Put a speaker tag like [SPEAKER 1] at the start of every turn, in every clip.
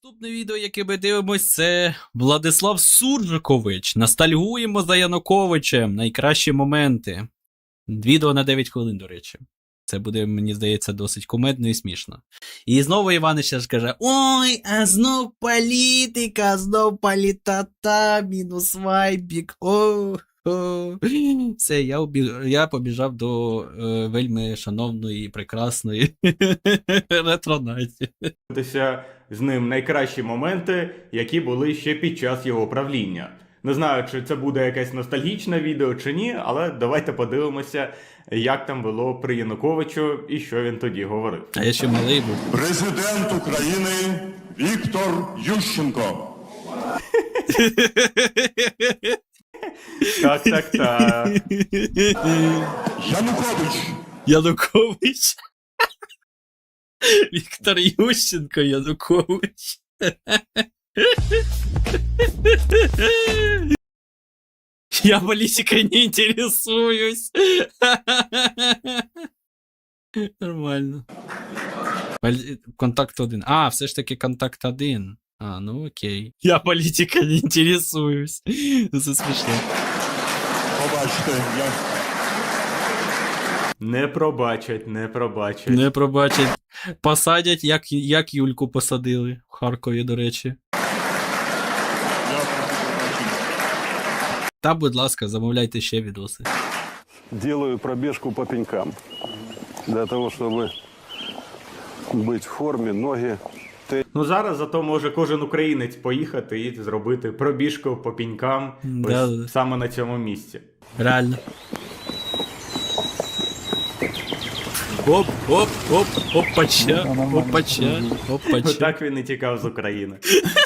[SPEAKER 1] Наступне відео, яке ми дивимось, це Владислав Суржикович. Ностальгуємо за Януковичем. Найкращі моменти. Відео на 9 хвилин, до речі. Це буде, мені здається, досить кумедно і смішно. І знову Іванич ж каже: ой, а знов політика, знов політата, мінус вайбік, Все, я побіжав до вельми шановної і прекрасної ретронаті.
[SPEAKER 2] З ним найкращі моменти, які були ще під час його правління. Не знаю, чи це буде якесь ностальгічне відео чи ні, але давайте подивимося, як там було при Януковичу і що він тоді говорив.
[SPEAKER 1] А я ще малий був.
[SPEAKER 3] Президент України Віктор Ющенко.
[SPEAKER 2] Так.
[SPEAKER 1] Янукович. Віктор Ющенко Янукович. Я политикой не интересуюсь. Нормально. Контакт 1. А, все ж таки контакт 1. А, ну окей. Я политикой не интересуюсь. Це смішно.
[SPEAKER 3] Побачте, я...
[SPEAKER 2] Не пробачать.
[SPEAKER 1] Не пробачать. Посадять, як Юльку посадили в Харкові, до речі. Та, будь ласка, замовляйте ще відоси.
[SPEAKER 4] Делаю пробежку по пенькам. Для того, чтобы быть в форме, ноги.
[SPEAKER 2] Ну зараз зато може кожен українець поїхати і зробити пробіжку по пінькам
[SPEAKER 1] Да.
[SPEAKER 2] саме на цьому місці.
[SPEAKER 1] Реально. Оп, опача.
[SPEAKER 2] Так він і тікав з України.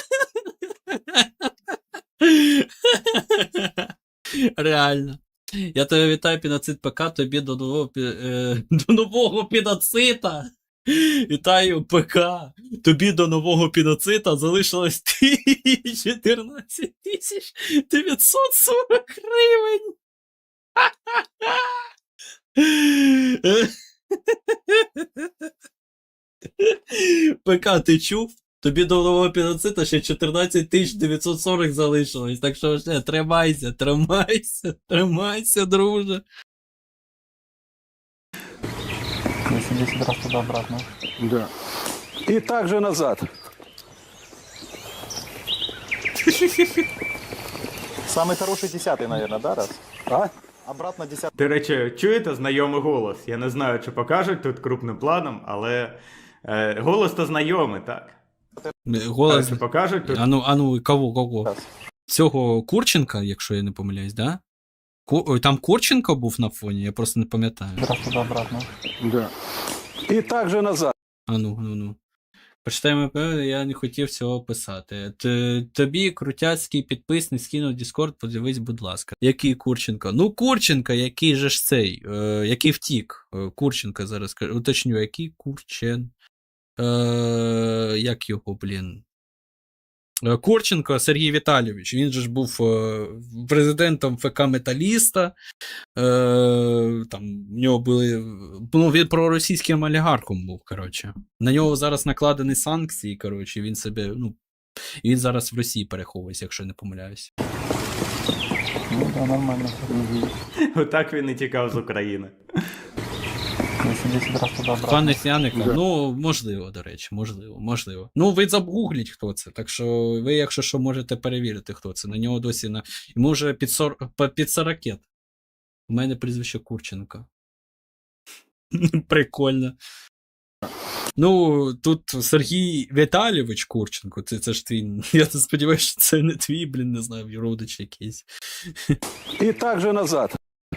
[SPEAKER 1] Реально. Я тебе вітаю, Піноцид ПК, тобі до нового піноцита. Вітаю, ПК. Тобі до нового піноцита залишилось 14 940 гривень. ПК, ти чув? Тобі до нового піноцита ще 14 940 залишилось. Так що ще тримайся, друже.
[SPEAKER 5] 80 раз туда-обратно.
[SPEAKER 4] Да. И также назад.
[SPEAKER 5] Самый хороший 10-й, наверное, да, раз?
[SPEAKER 4] А?
[SPEAKER 5] Обратно 10-й.
[SPEAKER 2] До речі, чуєте знайомий голос? Я не знаю, чи покажуть тут крупним планом, але голос то знайомий, так?
[SPEAKER 1] Голос.
[SPEAKER 2] Чи покажуть тут?
[SPEAKER 1] Ану, кого?
[SPEAKER 5] Раз.
[SPEAKER 1] Цього Курченка, якщо я не помиляюсь, да? Там Курченко був на фоні, я просто не пам'ятаю.
[SPEAKER 5] Раз туда-обратно.
[SPEAKER 4] Да. И также назад.
[SPEAKER 1] Ну. Почитаємо, я не хотів цього писати. Тобі крутяцький підписник скинув Discord, подивись, будь ласка. Який Курченко? Ну, Курченко, який же ж цей, який втік. Курченко зараз скажу. Уточню, який Курчен. Як його, блін? Курченко Сергій Віталійович, він же ж був президентом ФК Металіста, там в нього були, ну він проросійським олігархом був, коротше. На нього зараз накладені санкції, коротше, він себе, ну, він зараз в Росії переховується, якщо не помиляюсь.
[SPEAKER 5] Ну да, нормально.
[SPEAKER 2] Отак він і тікав з України.
[SPEAKER 5] 80 раз туда-обратно.
[SPEAKER 1] Пане Яника, ну, можливо, до речі, можливо. Ну, ви загугліть, хто це, так що ви, якщо що, можете перевірити, хто це. На нього досі, йому вже під 40. У мене прізвище Курченко. Прикольно. Ну, тут Сергій Віталійович Курченко, це ж твій, я сподіваюся, що це не твій, блін, не знаю, родич якийсь.
[SPEAKER 4] И также назад.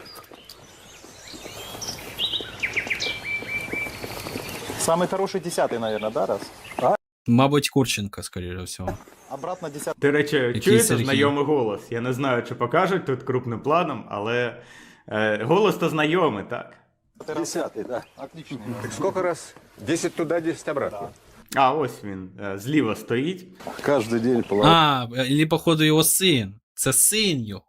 [SPEAKER 5] Самый хороший 10-й, наверное, да, раз?
[SPEAKER 1] Мабуть, Курченко, скоріше всього.
[SPEAKER 5] Обратно 10-й.
[SPEAKER 2] До речі, чуєте
[SPEAKER 1] Сергій?
[SPEAKER 2] знайомий голос? Я не знаю, чи покажуть тут крупним планом, але голос то знайомий, так?
[SPEAKER 4] 10-й, да.
[SPEAKER 5] Отличный.
[SPEAKER 6] Сколько раз? 10 туда, 10 обратно.
[SPEAKER 2] А, ось він, зліва стоїть.
[SPEAKER 4] Каждый день плаваю.
[SPEAKER 1] Или, походу, його син. Це син його.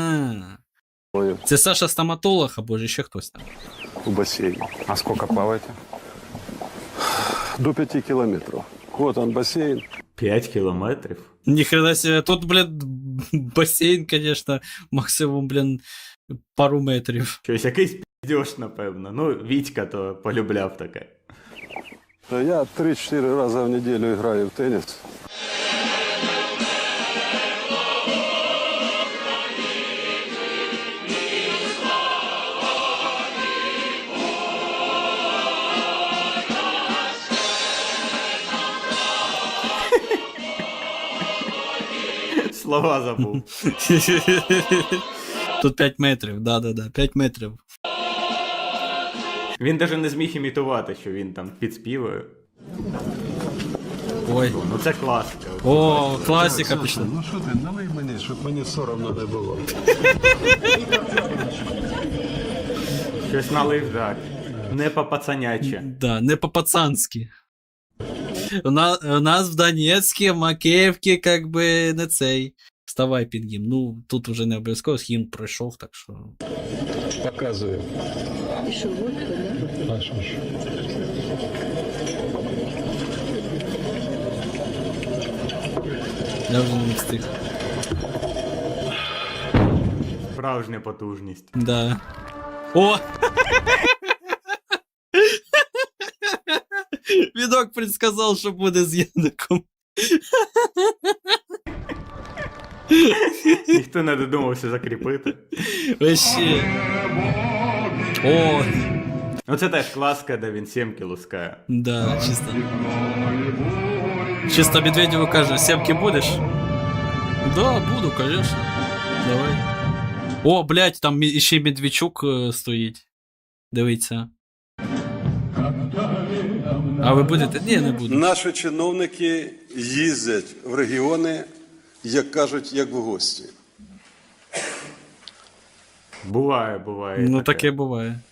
[SPEAKER 1] Це Саша стоматолог, або ж ще хтось там.
[SPEAKER 4] В бассейне.
[SPEAKER 6] А сколько плаваете?
[SPEAKER 4] До 5 километров. Вот он бассейн.
[SPEAKER 2] 5 кілометрів?
[SPEAKER 1] Ніхрена себе, тут, блін, басейн, конечно, максимум, блін, пару метрів.
[SPEAKER 2] Щось якийсь піздьош, напевно. Ну, Вітька то полюбляв таке.
[SPEAKER 4] Я 3-4 раза в неделю играю в теннис.
[SPEAKER 2] Слова забув.
[SPEAKER 1] Тут 5 метрів, да, 5 метрів.
[SPEAKER 2] Він навіть не зміг імітувати, що він там підспівує.
[SPEAKER 1] Ой.
[SPEAKER 2] Ну це класика.
[SPEAKER 1] О, класика пішла.
[SPEAKER 4] Ну що ти, налий мені, щоб мені соромно не було.
[SPEAKER 2] Щось налив, так. Не по-пацаняче.
[SPEAKER 1] Да, не по-пацанськи. У нас в Донецьке, в Макеївці, как би, не цей. Вставай під гімн. Ну, тут уже не обов'язково, гімн пройшов, так що.
[SPEAKER 4] Показую.
[SPEAKER 7] І що, водка, да?
[SPEAKER 4] А що ж?
[SPEAKER 1] Я вже не встиг.
[SPEAKER 2] Справжня потужність.
[SPEAKER 1] Да. О! Відок предсказав, що буде з Яником.
[SPEAKER 2] Ніхто не додумався закріпити.
[SPEAKER 1] Вообще. О,
[SPEAKER 2] Ну це теж класка, де він сімки лускає.
[SPEAKER 1] да, чисто. Чисто Медведєву каже, сімки будеш? Да, буду, конечно. Давай. О, блядь, там ще й Медведчук стоїть. Дивіться. А ви будете? Ні, не буду.
[SPEAKER 4] Наші чиновники їздять в регіони, як кажуть, як в гості.
[SPEAKER 2] Буває.
[SPEAKER 1] Ну таке буває.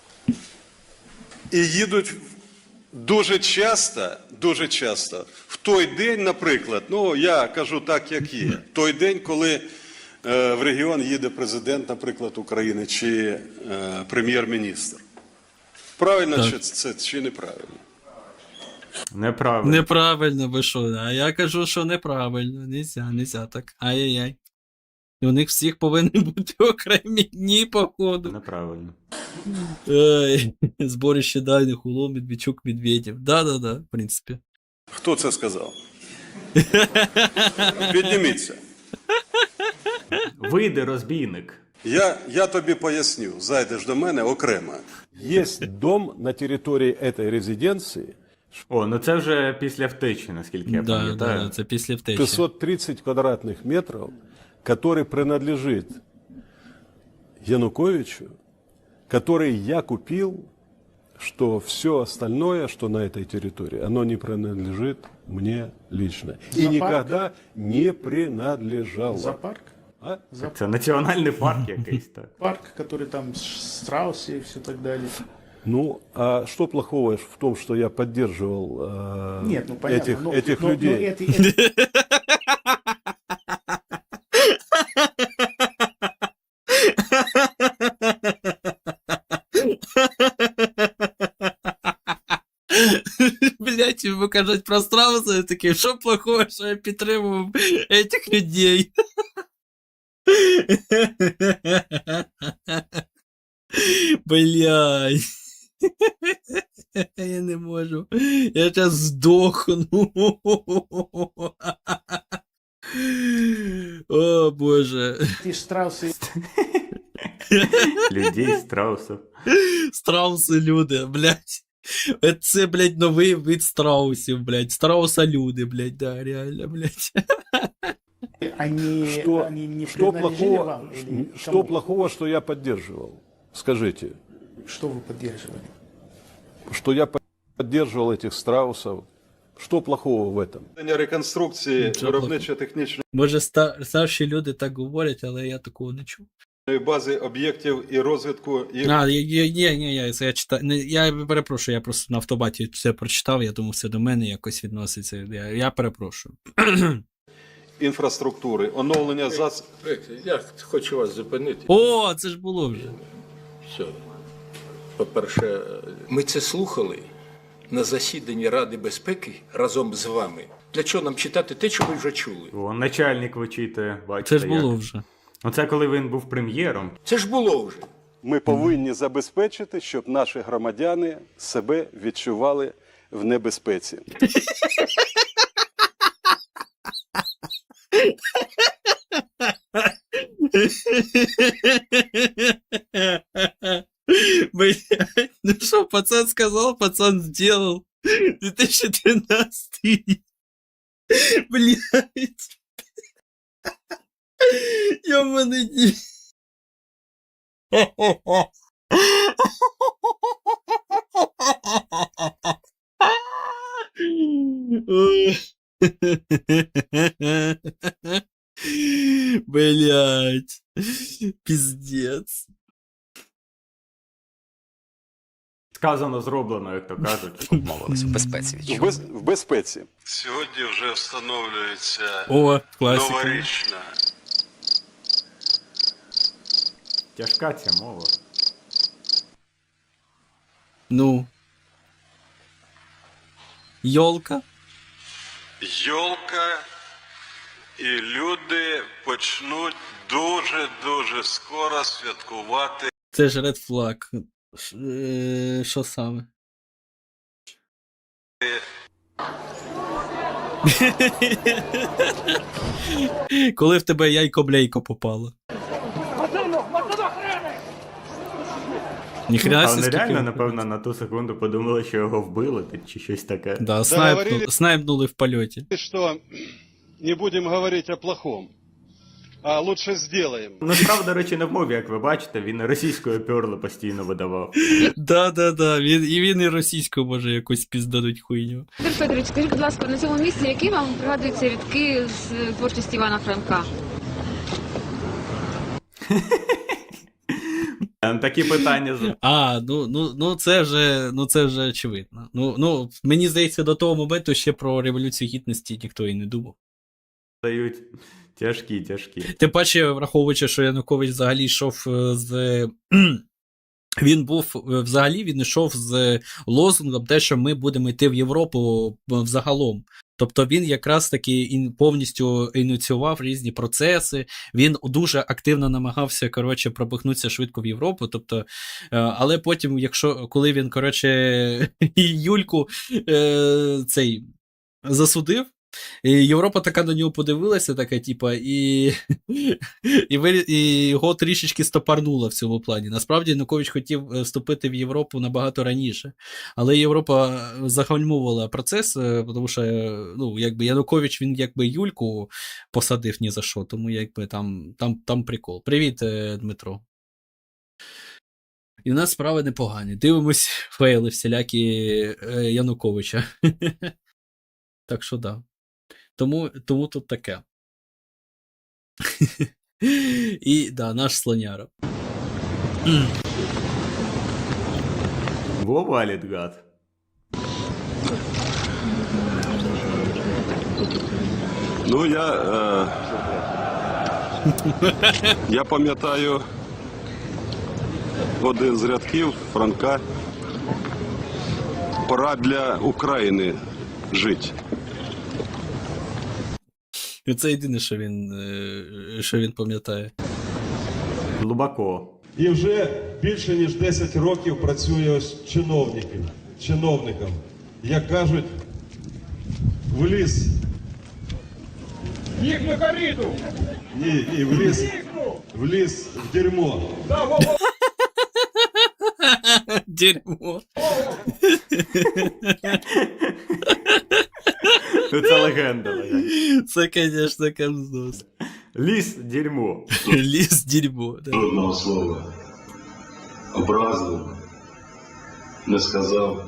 [SPEAKER 4] І їдуть дуже часто, в той день, наприклад, ну я кажу так, як є, той день, коли в регіон їде президент, наприклад, України, чи прем'єр-міністр. Правильно
[SPEAKER 1] Так.
[SPEAKER 4] чи це, чи неправильно?
[SPEAKER 2] Неправильно.
[SPEAKER 1] Неправильно, ви що? А я кажу, що неправильно. Нельзя так. Ай-яй-яй. І у них всіх повинні бути окремі дні, походу.
[SPEAKER 2] Неправильно.
[SPEAKER 1] Ой, зборище дайних улов, Медведчук, Медведєв. Да, в принципі.
[SPEAKER 4] Хто це сказав? Підніміться.
[SPEAKER 2] Вийде розбійник.
[SPEAKER 4] Я тобі поясню, зайдеш до мене окремо.
[SPEAKER 8] Есть дом на территории этой резиденции,
[SPEAKER 2] О, ну це вже після втечі, наскільки я
[SPEAKER 1] Да,
[SPEAKER 2] пам'ятаю.
[SPEAKER 1] це після втечі.
[SPEAKER 8] 630 квадратных метров, который принадлежит Януковичу, который я купил, что все остальное, что на этой территории, оно не принадлежит мне лично. И никогда не принадлежало.
[SPEAKER 9] Зоопарк?
[SPEAKER 8] А?
[SPEAKER 2] Це національний парк якийсь, так.
[SPEAKER 9] Парк, который там страусы и все так далее.
[SPEAKER 8] Ну, а что плохого в том, что я поддерживал
[SPEAKER 9] Нет, ну понятно.
[SPEAKER 8] этих людей?
[SPEAKER 1] Блять, ви кажуть про страуса, я такий, що плохого, що я підтримував этих людей? Блять. Я не можу. Я сейчас здохну. О, боже.
[SPEAKER 9] Эти страусы.
[SPEAKER 2] Людей, страусів.
[SPEAKER 1] Страуси люди, блядь. Це, блядь, новий вид страусів, блядь. Страуса-люди, блядь, да, реально, блядь.
[SPEAKER 9] Они не
[SPEAKER 8] Что
[SPEAKER 9] принадлежали
[SPEAKER 8] плохого,
[SPEAKER 9] вам? Или
[SPEAKER 8] что
[SPEAKER 9] кому?
[SPEAKER 8] плохого, что я поддерживал? Скажите,
[SPEAKER 9] Что вы поддерживали?
[SPEAKER 8] что я поддерживал этих страусов? Что плохого в этом?
[SPEAKER 4] Реконструкції
[SPEAKER 1] Нічого
[SPEAKER 4] виробничо-технічної
[SPEAKER 1] Може, старші люди так говорять, але я такого не чув.
[SPEAKER 4] бази об'єктів і розвитку їх.
[SPEAKER 1] Ні, це я читав. Я перепрошую, я просто на автобаті все прочитав, я думав, це до мене якось відноситься. Я перепрошую.
[SPEAKER 4] Інфраструктури, оновлення
[SPEAKER 10] Я хочу вас зупинити.
[SPEAKER 1] О, це ж було вже.
[SPEAKER 10] Все. По-перше, ми це слухали на засіданні Ради безпеки разом з вами. Для чого нам читати те, що ви вже чули?
[SPEAKER 2] О, начальник вичитує, бачите.
[SPEAKER 1] Це ж було
[SPEAKER 2] як.
[SPEAKER 1] вже.
[SPEAKER 2] Оце коли він був прем'єром.
[SPEAKER 10] Це ж було вже.
[SPEAKER 8] Ми повинні забезпечити, щоб наші громадяни себе відчували в небезпеці.
[SPEAKER 1] Блядь, ну что, пацан сказал, пацан сделал. 2013. Блядь. Ёбаный день. Блять, пиздец.
[SPEAKER 2] Сказано, зроблено, як то кажуть.
[SPEAKER 6] В безпеці.
[SPEAKER 8] В безпеці.
[SPEAKER 4] Сьогодні вже встановлюється
[SPEAKER 1] О, классика.
[SPEAKER 4] новорічна.
[SPEAKER 2] Тяжка ця мова.
[SPEAKER 1] Ну. Ёлка.
[SPEAKER 4] Йолка, і люди почнуть дуже-дуже скоро святкувати.
[SPEAKER 1] Це ж Red Flag. Що саме? Коли в тебе яйко-бляйко попало. Ніхрена
[SPEAKER 2] А
[SPEAKER 1] собі,
[SPEAKER 2] вони
[SPEAKER 1] скільки
[SPEAKER 2] реально,
[SPEAKER 1] виходить.
[SPEAKER 2] напевно, на ту секунду подумали, що його вбили, чи щось таке.
[SPEAKER 1] Да, снайпнули в польоті.
[SPEAKER 8] Что не будем говорить о плохом, а лучше сделаем.
[SPEAKER 2] Ну, справа, до речі, не в мові, як ви бачите, він російською перло постійно видавав.
[SPEAKER 1] Да. Він і російською може якусь піздануть хуйню.
[SPEAKER 7] Петр Федорович, скажіть, будь ласка, на цьому місці, які вам пригадуються рядки з творчості Івана Франка?
[SPEAKER 2] Такі питання
[SPEAKER 1] це вже очевидно. Ну, мені здається, до того моменту ще про Революцію Гідності ніхто і не думав.
[SPEAKER 2] задають тяжкі.
[SPEAKER 1] Тим паче, враховуючи, що Янукович взагалі йшов з. Він йшов з лозунгом те, що ми будемо йти в Європу взагалом. Тобто він якраз таки повністю ініціював різні процеси, він дуже активно намагався, пропихнутися швидко в Європу, тобто, але потім, коли він, Юльку засудив, і Європа така на нього подивилася, така, і його трішечки стопарнула в цьому плані. Насправді, Янукович хотів вступити в Європу набагато раніше, але Європа загальмовувала процес, тому що, Янукович, він, Юльку посадив ні за що, тому, там прикол. Привіт, Дмитро. І у нас справи непогані. Дивимось фейли всілякі Януковича. Так що, да. Тому тут таке. І, да, наш слоняра.
[SPEAKER 2] Во валить, гад.
[SPEAKER 8] Ну, я пам'ятаю один з рядків Франка. Пора для України жити.
[SPEAKER 1] І це єдине, що він пам'ятає.
[SPEAKER 2] Глибоко.
[SPEAKER 8] І вже більше ніж 10 років працює чиновником. Як кажуть, вліз. Їх на коріду! Ні, вліз в дерьмо.
[SPEAKER 1] Дерьмо.
[SPEAKER 2] Це легенда.
[SPEAKER 1] Це, звісно, камздос.
[SPEAKER 2] Ліс дерьмо.
[SPEAKER 1] Ліс дерьмо. Да.
[SPEAKER 11] Жодного слова образливого не сказав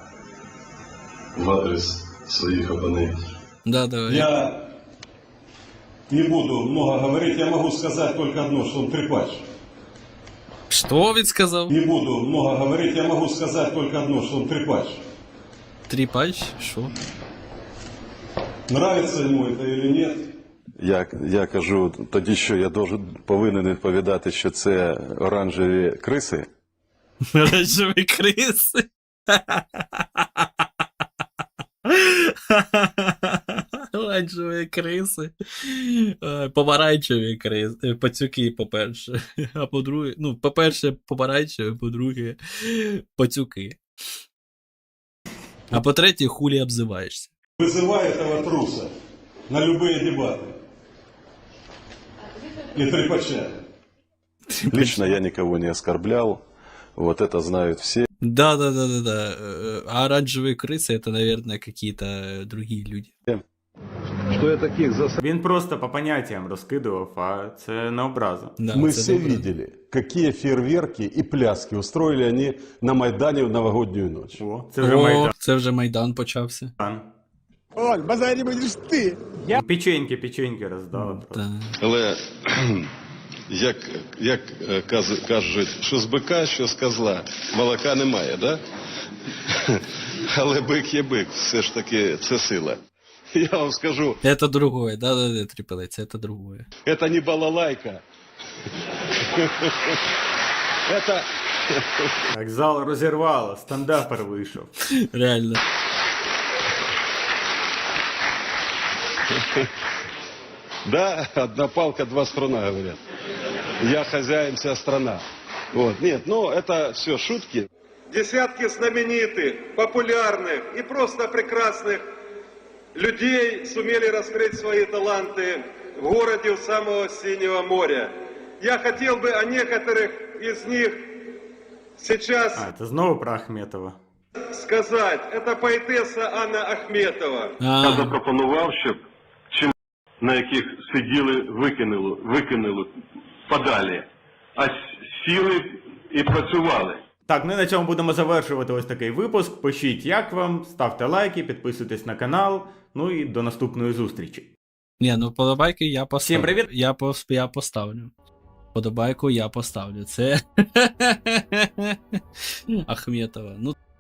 [SPEAKER 11] в адрес своїх опонентів.
[SPEAKER 1] Да, давай.
[SPEAKER 8] Я не буду много говорить, я могу сказать только одно, что он трепач.
[SPEAKER 1] Що він сказав?
[SPEAKER 8] Не буду много говорить, я могу сказать только одно, что он трепач.
[SPEAKER 1] Тріпач? Що?
[SPEAKER 8] Нравится ему это или нет? Я кажу, тоді що я повинен відповідати, що це оранжеві криси?
[SPEAKER 1] Оранжеві криси. Оранжеві криси. Помаранчеві криси. Пацюки, по-перше. А по-друге, ну, по-перше, помаранчеві, по-друге, пацюки. А по-третє, хулі обзиваєшся.
[SPEAKER 8] Вызывай этого труса на любые дебаты. И трепача.
[SPEAKER 11] Лично я никого не оскорблял. Вот это знают все.
[SPEAKER 1] Да. А оранжевые крысы это, наверное, какие-то другие люди.
[SPEAKER 8] Что я таких
[SPEAKER 2] Він просто по поняттям розкидував, а це на образу.
[SPEAKER 1] Да,
[SPEAKER 8] Мы
[SPEAKER 1] це
[SPEAKER 8] все
[SPEAKER 1] добре.
[SPEAKER 8] видели, какие фейерверки и пляски устроили они на Майдане в новогоднюю ночь.
[SPEAKER 2] О, це вже
[SPEAKER 1] О,
[SPEAKER 2] Майдан.
[SPEAKER 1] це вже Майдан почався.
[SPEAKER 9] Оль, базари будешь ты.
[SPEAKER 2] Печеньки роздали. просто.
[SPEAKER 1] Та.
[SPEAKER 4] Але як кажуть, що з бика, що з козла, молока немає, да? Але бик є бик, все ж таки це сила. Я вам скажу,
[SPEAKER 1] Это другое, да, трипелець, это другое.
[SPEAKER 4] это не балалайка. Это
[SPEAKER 2] Так, зал розірвало, стендапер вийшов.
[SPEAKER 1] Реально.
[SPEAKER 4] Да, одна палка, два струна, говорят. Я хозяин, вся страна. Вот. Нет, ну это все шутки. Десятки знаменитых, популярных и просто прекрасных людей сумели раскрыть свои таланты в городе у самого Синего моря. Я хотел бы о некоторых из них сейчас
[SPEAKER 2] А, це знову про Ахметова.
[SPEAKER 4] сказать. Это поэтесса Анна Ахметова.
[SPEAKER 1] А,
[SPEAKER 11] запропонував, щоб чим на яких сиділи, викинули подалі, а сіли і працювали.
[SPEAKER 2] Так, ну і на цьому будемо завершувати ось такий випуск. Пишіть, як вам, ставте лайки, підписуйтесь на канал. Ну і до наступної зустрічі.
[SPEAKER 1] ні, ну подобайки я поставлю.
[SPEAKER 2] Всім привіт!
[SPEAKER 1] Я поставлю. Подобайку я поставлю. Це Ахметова. Ну,